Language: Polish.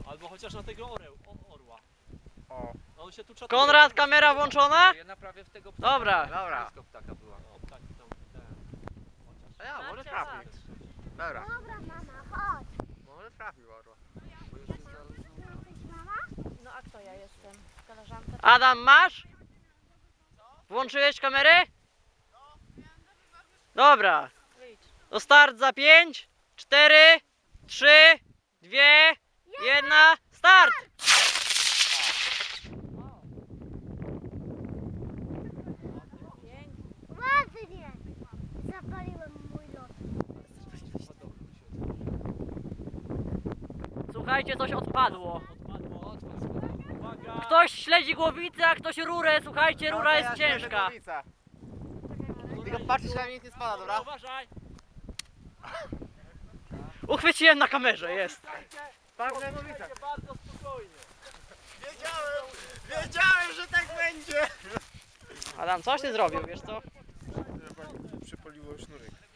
Albo chociaż na tego orła. O. A on się tu czatuje. Konrad, kamera włączona? Ja naprawię w tego ptaka. Dobra. Dobra. Blisko ptaka była. O, ptaki tam, ten. Chociaż. A ja, może trafi. Dobra. Dobra, mama, chodź. Może trafi orła. Bo już jest zaraz... Jesteś mama? No a kto ja jestem? Koleżanka? Adam, masz? Włączyłeś kamerę? Dobra. Wyjdź. To start za 5, 4, 3, 2, 1, start! Ładnie. Zapaliłem mój lot. Słuchajcie, coś odpadło. Odpadło. Uwaga. Ktoś śledzi głowicę, a ktoś rurę. Słuchajcie, rura jest ciężka. Tylko patrzysz, na mnie nic nie spada, dobra? Uważaj. Uchwyciłem na kamerze, jest. Patrz na głowicę. Bardzo spokojnie. Wiedziałem, że tak będzie! Adam, coś ty zrobił, wiesz co? Przepaliło sznurek.